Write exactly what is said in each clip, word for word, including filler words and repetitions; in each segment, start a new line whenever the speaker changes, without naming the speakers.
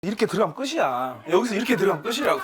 이렇게 들어가면 끝이야. 여기서 이렇게 들어가면 끝이라고.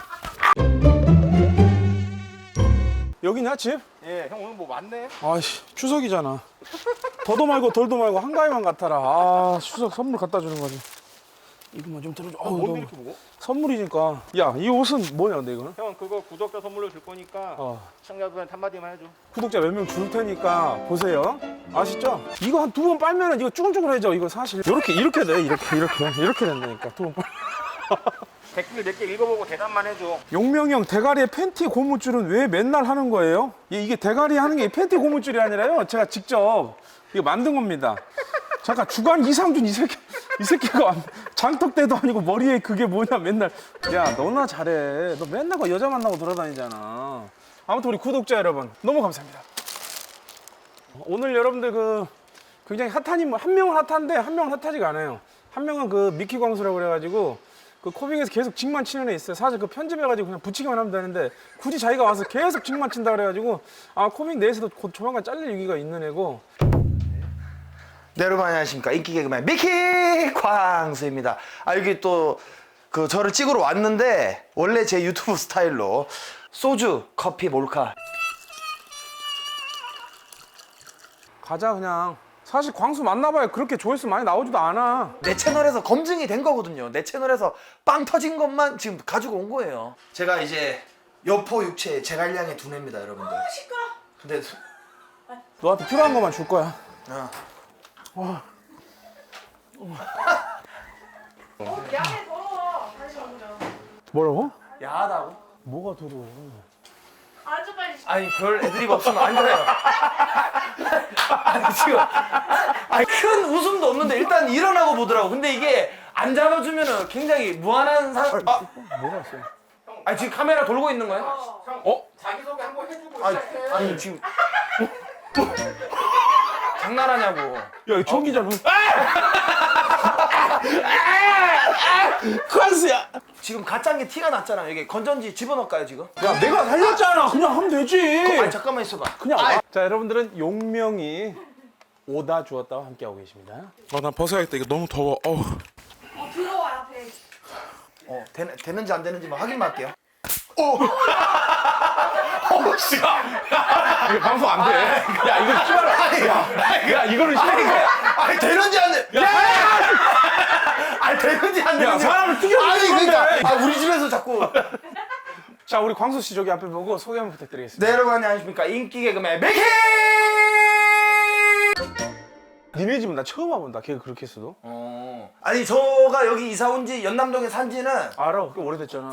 여기냐 집?
예, 형 오늘 뭐 왔네?
아이씨 추석이잖아. 더도 말고 덜도 말고 한가위만 같아라. 아 추석 선물 갖다 주는 거지. 이거만 좀 들어줘. 어우,
뭔데
너무
이렇게 무거워?
선물이니까. 야 이 옷은 뭐냐 근데 이거는?
형 그거 구독자 선물로 줄 거니까
어.
시청자분한테 한마디만 해줘.
구독자 몇 명 줄 테니까 보세요. 아시죠? 이거 한 두 번 빨면은 이거 쭈글쭈글해져. 이거 사실 이렇게 이렇게 돼. 이렇게 이렇게 이렇게 된다니까 두 번 빨.
댓글 몇 개 읽어보고 대답만 해줘.
용명이 형 대가리에 팬티 고무줄은 왜 맨날 하는 거예요? 이- 이게 대가리 하는 게 팬티 고무줄이 아니라요. 제가 직접 이거 만든 겁니다. 잠깐 주간 이상준 이 새끼 이 새끼가 장턱대도 아니고 머리에 그게 뭐냐 맨날. 야 너나 잘해. 너 맨날 그 여자 만나고 돌아다니잖아. 아무튼 우리 구독자 여러분 너무 감사합니다. 오늘 여러분들 그 굉장히 핫한 인물 한 명은 핫한데 한 명은 핫하지가 않아요. 한 명은 그 미키 광수라고 그래가지고 그 코빙에서 계속 직만 치는 애 있어요. 사실 그 편집해가지고 그냥 붙이기만 하면 되는데 굳이 자기가 와서 계속 직만 친다 그래가지고 아 코빙 내에서도 곧 조만간 잘릴 위기가 있는 애고.
네, 여러분 안녕하십니까. 인기 개그맨 미키 광수입니다. 아 여기 또 그 저를 찍으러 왔는데 원래 제 유튜브 스타일로 소주, 커피, 몰카
가자 그냥. 사실 광수 만나봐야 그렇게 조회수 많이 나오지도 않아.
내 채널에서 검증이 된 거거든요. 내 채널에서 빵 터진 것만 지금 가지고 온 거예요. 제가 이제 여포 육체 제갈량의 두뇌입니다, 여러분들.
아, 시끄러.
근데
너한테 필요한 것만 줄 거야.
어.
어.
어, 양해 더러워. 다시 먹으면.
뭐라고?
야하다고?
뭐가 더러워?
앉아 빨리.
아니 별 애드립 없으면 안 돼요. 아니 지금 아니 큰 웃음도 없는데 일단 일어나고 보더라고. 근데 이게 안 잡아주면은 굉장히 무한한 상. 아,
뭐가 있어?
아니 지금 카메라 돌고 있는 거야?
어?
자기소개 한번 해주고
아니,
시작해.
아니 지금 장난하냐고.
야, 이거 전기잖아. 광수야.
지금 가짜인 게 티가 났잖아. 여기 건전지 집어넣을까요 지금?
야, 내가 살렸잖아. 그냥 하면 되지.
아니 잠깐만 있어봐.
그냥 와. 자, 여러분들은 용명이 오다 주었다와 함께하고 계십니다. 아, 나 벗어야겠다. 이거 너무 더워. 어우.
어, 들어와 앞에.
어 되, 되는지 안 되는지만 확인만 할게요.
이거 방송 안 돼. 야, 이거 씨발. 야, 야, 이거는 씨발.
아니 되는지 안 돼. 야! 아니 되는지 안
야,
되는지.
사람을 튀겨주는
아니
건데.
그러니까 아 우리 집에서 자꾸.
자, 우리 광수 씨 저기 앞에 보고 소개 한번 부탁드리겠습니다.
네 여러분 안녕하십니까. 인기 개그맨 미키.
니네 집은 나 처음 와본다. 걔가 그렇게 했어도.
어. 아니 저가 여기 이사 온 지 연남동에 산 지는
알아. 꽤 오래됐잖아.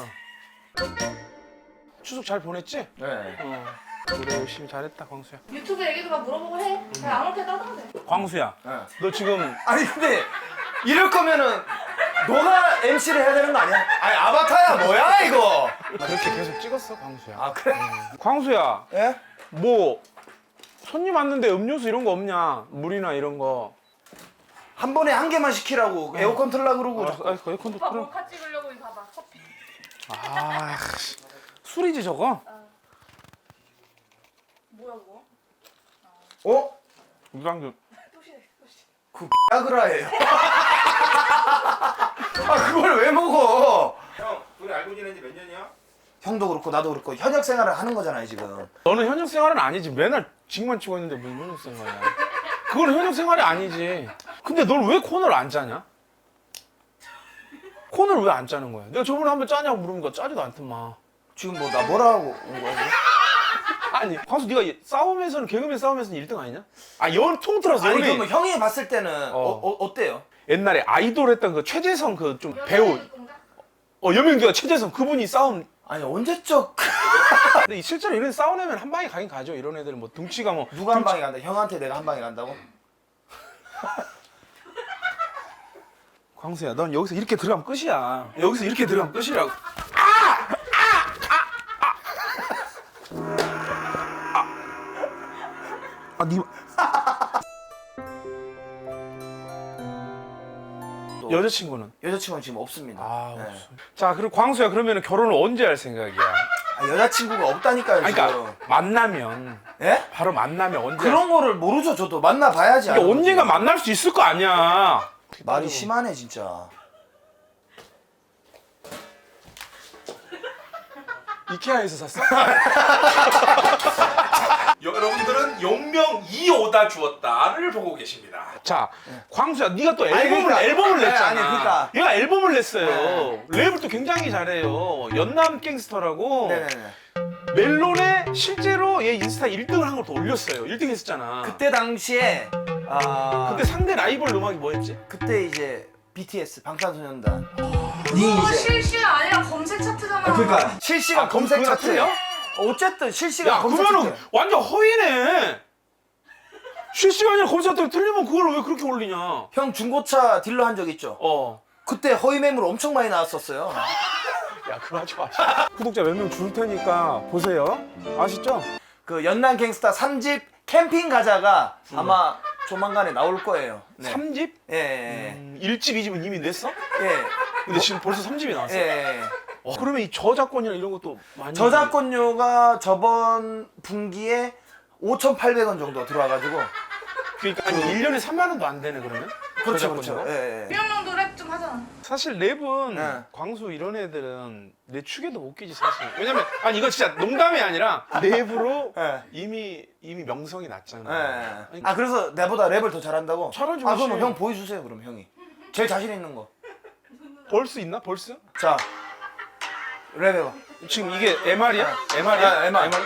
추석 잘 보냈지?
네.
어. 그래, 열심히 잘했다, 광수야.
유튜브 얘기도 막 물어보고 해. 그냥 아무렇게 따다면 돼.
광수야,
네.
너 지금
아니 근데 이럴 거면은 너가 엠시를 해야 되는 거 아니야? 아니 아바타야 뭐야 이거?
그렇게 계속 찍었어, 광수야.
아 그래?
광수야,
예?
뭐 손님 왔는데 음료수 이런 거 없냐? 물이나 이런 거.
한 번에 한 개만 시키라고 에어컨 틀라 그러고
알았어, 알았어, 에어컨도
오빠
틀어.
몰카 찍으려고 이거 봐봐. 커피.
아, 씨. 술이지 저거?
뭐야 그거?
어?
유광준.
또시네 또시.
그 야그라예요. 아 그걸 왜 먹어?
형, 둘이 알고 지낸 지 몇 년이야?
형도 그렇고 나도 그렇고 현역 생활을 하는 거잖아요 지금.
너는 현역 생활은 아니지. 맨날 직만 치고 있는데 무슨 현역 생활이야? 그건 현역 생활이 아니지. 근데 넌 왜 코너를 안 짜냐? 코너를 왜 안 짜는 거야? 내가 저번에 한번 짜냐고 물으니까 짜지도 않더만.
지금 뭐 나 뭐라고 온 거야? 지금?
아니, 광수 네가 이- 싸움에서는 개그맨 싸움에서는 일 등 아니냐? 아, 연 통틀어서
아니
연예인.
그러면 형이 봤을 때는 어.
어.
어, 어때요?
옛날에 아이돌 했던 그 최재성 그 좀 배우
공작?
어 여명규가 최재성 그분이 싸움.
아니 언제적
근데 실제로 이런 싸우려면 한 방에 가긴 가죠. 이런 애들은 뭐 등치가 뭐
누가 한 방에 간다? 형한테 내가 한 방에 간다고?
광수야, 넌 여기서 이렇게 들어가면 끝이야. 여기서 이렇게 들어가면 끝이라고. 아, 니 여자친구는?
여자친구는 지금 없습니다.
아,
네.
없어. 자, 그리고 광수야, 그러면 결혼을 언제 할 생각이야?
아, 여자친구가 없다니까요
아니,
지금.
그러니까 만나면
예?
바로 만나면 언제?
그런 거를 모르죠 저도. 만나봐야지.
그러니까
아는 거지.
언젠가 만날 수 있을 거 아니야.
말이 심하네 진짜.
이케아에서 샀어? 여러분들은 용명 이오다 주었다를 보고 계십니다. 자, 광수야, 네가 또 앨범을
아니, 그러니까.
앨범을
네,
냈잖아.
아니, 그러니까.
얘가 앨범을 냈어요. 랩을 또 굉장히 잘해요. 연남 갱스터라고.
네네네.
멜론에 실제로 얘 인스타 일 등을 한 걸 또 올렸어요. 일 등 했었잖아.
그때 당시에 아
그때 상대 라이벌 음악이 뭐였지?
그때 이제 비티에스 방탄소년단.
그거 실시간 아니라 검색 차트잖아.
그러니까 실시간
아, 그럼
검색
그거랑
차트예요.
틀려?
어쨌든 실시간
야,
검색
그러면은
차트.
완전 허위네. 실시간이랑 검색하다 틀리면 그걸 왜 그렇게 올리냐?
형 중고차 딜러 한 적 있죠?
어.
그때 허위 매물 엄청 많이 나왔었어요.
야, 그거 하지 마. 구독자 몇 명 줄 테니까 보세요. 아시죠?
그 연남 갱스타 삼 집 캠핑 가자가 아마 조만간에 나올 거예요. 네.
삼 집?
예, 예,
음, 일 집, 이 집은 이미 냈어?
예.
근데 지금 벌써 삼 집이 나왔어.
예, 예.
어, 그러면 이 저작권이나 이런 것도 많이
저작권료가 저번 분기에 오천팔백 원 정도 들어와가지고.
그러니까 한 일 년에 삼만 원도 안 되네 그러면?
그렇죠,
저작권료가?
그렇죠. 예, 예.
유명명도 랩 좀 하잖아.
사실 랩은
네.
광수 이런 애들은 내 축에도 못 끼지 사실. 왜냐면 아니 이거 진짜 농담이 아니라 랩으로
네.
이미 이미 명성이 났잖아.
예.
아니,
아 그래서 내보다 랩을 더 잘한다고?
잘하지,
아 그럼
그렇지.
형 보여주세요 그럼 형이. 제일 자신 있는 거.
벌스 있나? 벌스?
자 랩 해봐.
지금 이게 엠알이야?
네.
엠알이야?
네, 엠알.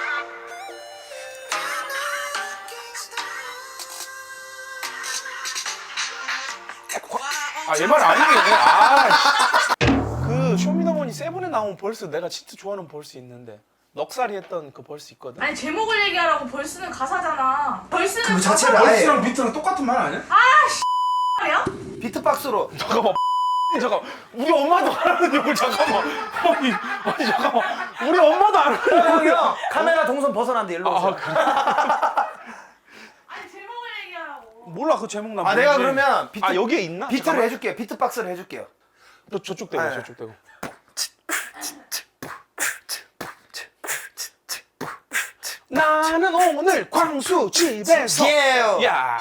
아 엠알 아니겠네. 아, 씨. 그 쇼미더머니 세븐에 나온 벌스 내가 진짜 좋아하는 벌스 있는데 넉살이 했던 그 벌스 있거든.
아니 제목을 얘기하라고 벌스는 가사잖아. 벌스는
그 자체를
가사가
아예-
벌스랑 비트랑 똑같은 말 아니야?
말이야?
비트박스로.
잠깐만. 잠깐 우리 엄마도 알아는 욕을 잠깐만. 아니, 아니 잠깐만. 우리 엄마도 알아는
형, 형 카메라 동선 벗어난데 일로 오세요.
아, 그래?
아니 제목을 얘기하라고.
몰라 그 제목 나
아 내가
모르지.
그러면 비트,
아 여기에 있나?
비트를
잠깐만.
해줄게요. 비트박스를 해줄게요.
너 저쪽 대고
아,
저쪽 대고. 나는 오늘 광수 집에서.
예.
야.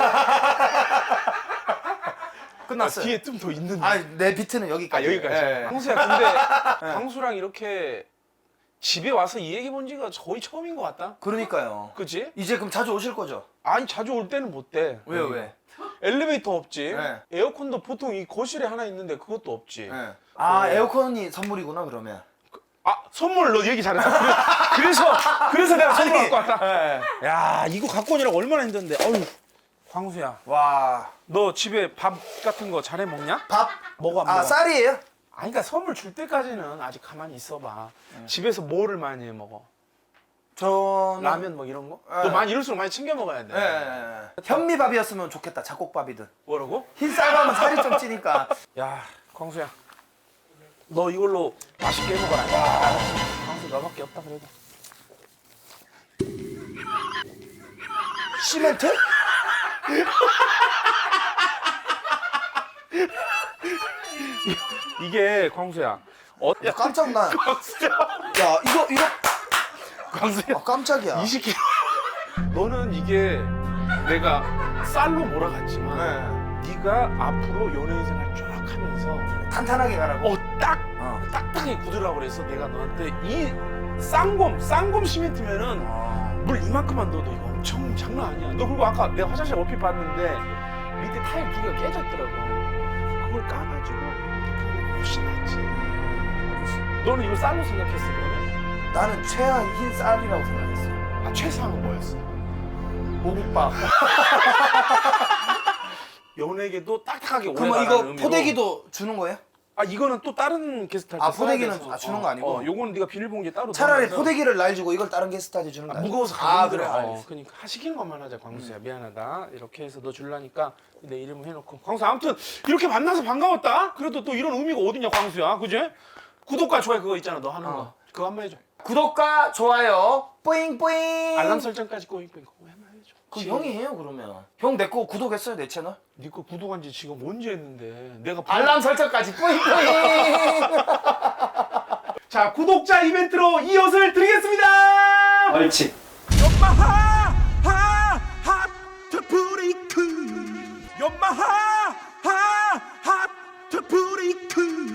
끝났어요.
뒤에 좀 더 있는데.
아 내 비트는 여기까지.
아 여기까지.
예.
광수야 근데 광수랑 이렇게 집에 와서 이 얘기 본 지가 거의 처음인 것 같다.
그러니까요.
그치?
이제 그럼 자주 오실 거죠?
아니 자주 올 때는 못 돼.
왜요 왜?
엘리베이터 없지.
네.
에어컨도 보통 이 거실에 하나 있는데 그것도 없지.
예. 아
어.
에어컨이 선물이구나 그러면.
아 선물 너 얘기 잘했어. 그래서 그래서 내가 선물
아니,
갖고 왔다.
예.
야 이거 갖고 오느라고 얼마나 힘든데. 어휴 광수야.
와.
너 집에 밥 같은 거 잘해 먹냐?
밥.
먹어 안
아
먹어?
쌀이에요?
아니 그러니까 선물 줄 때까지는 아직 가만히 있어봐. 집에서 뭐를 많이 해 먹어?
저는
라면 뭐 이런 거?
네.
너 많이 이럴수록 많이 챙겨 먹어야 돼.
예, 예, 예. 현미밥이었으면 좋겠다. 잡곡밥이든.
뭐라고?
흰 쌀밥은 살이 좀 찌니까.
야 광수야 너 이걸로 맛있게 해 먹어라. 야, 광수 너밖에 없다 그래도.
시멘트?
이게 광수야. 어,
야 깜짝 나.
광수야.
야 이거 이거.
광수야.
아 깜짝이야.
이십 킬로그램. 너는 이게 내가 쌀로 몰아갔지만
네.
네가 앞으로 연예인 생활 쫙 하면서
탄탄하게 가라고.
어딱
어.
딱딱하게 굳으라고 그래서 내가 너한테 이 쌍곰 쌍곰 시멘트면은
어.
물 이만큼만 넣어도 이거 엄청 장난 아니야. 너 그리고 아까 내가 화장실 얼핏 봤는데 밑에 타일 두 개가 깨졌더라고. 그걸 까가지고 훨씬 낫지. 너는 이거 쌀로 생각했어 그러면?
나는 최하 흰 쌀이라고 생각했어.
아 최상은 뭐였어?
모국밥.
연예계도 딱딱하게 오래
그러면
가는
이거
의미로.
포대기도 주는 거예요?
아 이거는 또 다른 게스트 할때
아, 포대기는 아, 주는 거 아니고?
어, 요거는 네가 비닐봉지에 따로
차라리
넣어놔서
포대기를 날 주고 이걸 다른 게스트한테 주는 거
아,
아니야?
무거워서 가기
아
힘들어.
그래
어,
알겠어.
그러니까 시키는 것만 하자 광수야. 미안하다. 이렇게 해서 너 줄라니까 내 이름을 해놓고 광수 아무튼 이렇게 만나서 반가웠다. 그래도 또 이런 의미가 어디냐 광수야. 그지? 구독과 좋아요 그거 있잖아 너 하는
어.
거. 그거 한번 해줘.
구독과 좋아요 뿌잉뿌잉.
알람 설정까지 꼬잉꼬잉 그거 한번 해줘.
그
지금
형이 해요 그러면. 형 내 거 구독했어요 내 채널?
네거 구독한 지 지금 언제 했는데 내가
알람 설정까지 뿌잉뿌잉.
자 구독자 이벤트로 이 옷을 드리겠습니다.
옳지.
연마하 하하트 브레이크 연마하